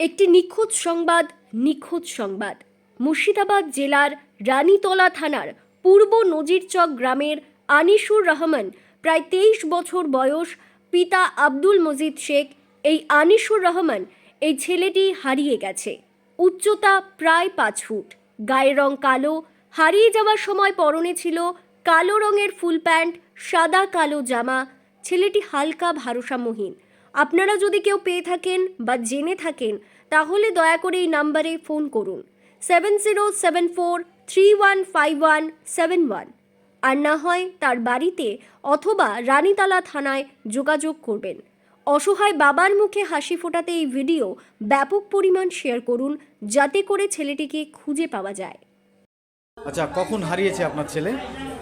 একটি নিখোঁজ সংবাদ মুর্শিদাবাদ জেলার রানীতলা থানার পূর্ব নজিরচক গ্রামের আনিসুর রহমান প্রায় 23 বছর বয়স, পিতা আব্দুল মজিদ শেখ। এই আনিসুর রহমান, এই ছেলেটি হারিয়ে গেছে। উচ্চতা প্রায় 5 ফুট, গায়ের রং কালো, হারিয়ে যাওয়ার সময় পরনে ছিল কালো রঙের ফুল প্যান্ট, সাদা কালো জামা। ছেলেটি হালকা ভারসাম্যহীন। আপনারা যদি কেউ পেয়ে থাকেন বা জেনে থাকেন তাহলে দয়া করে এই নাম্বারে ফোন করুন 7074315171, আর না হয় তার বাড়িতে অথবা রানীতলা থানায় যোগাযোগ করবেন। অসহায় বাবার মুখে হাসি ফোটাতে এই ভিডিও ব্যাপক পরিমাণ শেয়ার করুন যাতে করে ছেলেটিকে খুঁজে পাওয়া যায়। আচ্ছা, কখন হারিয়েছে আপনার ছেলে?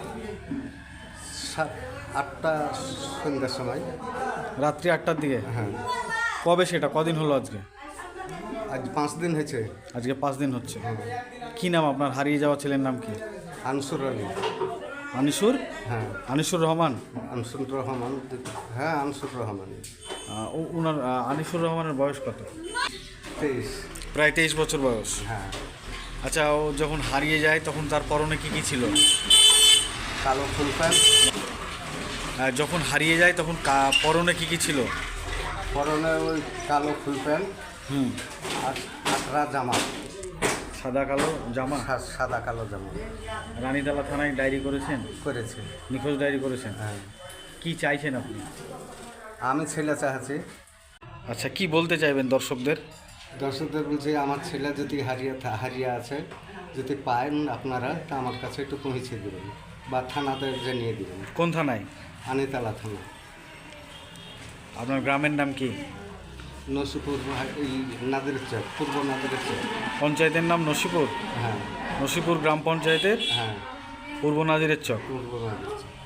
8টা সন্ধ্যার সময়। রাত্রি 8টার দিকে? হ্যাঁ। কবে সেটা? কদিন হলো আজকে? আজ 5 দিন হয়েছে। আজকে 5 দিন হচ্ছে। কি নাম আপনার হারিয়ে যাওয়া ছেলের নাম কি? আনসুর আলী। আনিসুর? হ্যাঁ। আনিসুর রহমান? আনসুর রহমান। হ্যাঁ, আনসুর রহমান। ওনার আনিসুর রহমানের বয়স কত? 23। প্রায় 23 বছর বয়স। হ্যাঁ। আচ্ছা, ও যখন হারিয়ে যায় তখন তার পরনে কি কি ছিল? কালো ফুল প্যান্ট। যখন হারিয়ে যায় তখন পরনে কি কি ছিল? পরনে ওই কালো ফুল প্যান্ট আর আটরা জামা। সাদা কালো জামা? সাদা কালো জামা। রানীতলা থানায় ডায়েরি করেছেন? করেছে। নিখোঁজ ডায়েরি করেছেন? হ্যাঁ। কি চাইছেন আপনি? আমি ছেলে চাচ্ছি। আচ্ছা, কি বলতে চাইবেন দর্শকদের? দর্শকদের বলছি, আমার ছেলে যদি হারিয়ে আছে, যদি পান আপনারা তা আমার কাছে একটু পৌঁছে দেবেন বা থানাতে জানিয়ে দেবেন। কোন থানায়? আনিতলা থানা। আপনার গ্রামের নাম কি? নসিপুর, এই নাদের চক, পূর্ব নাদের চক। পঞ্চায়েতের নাম নসিপুর? হ্যাঁ। নসিপুর গ্রাম পঞ্চায়েতের হ্যাঁ, পূর্ব নাজিরের চক। পূর্ব নাদের চক।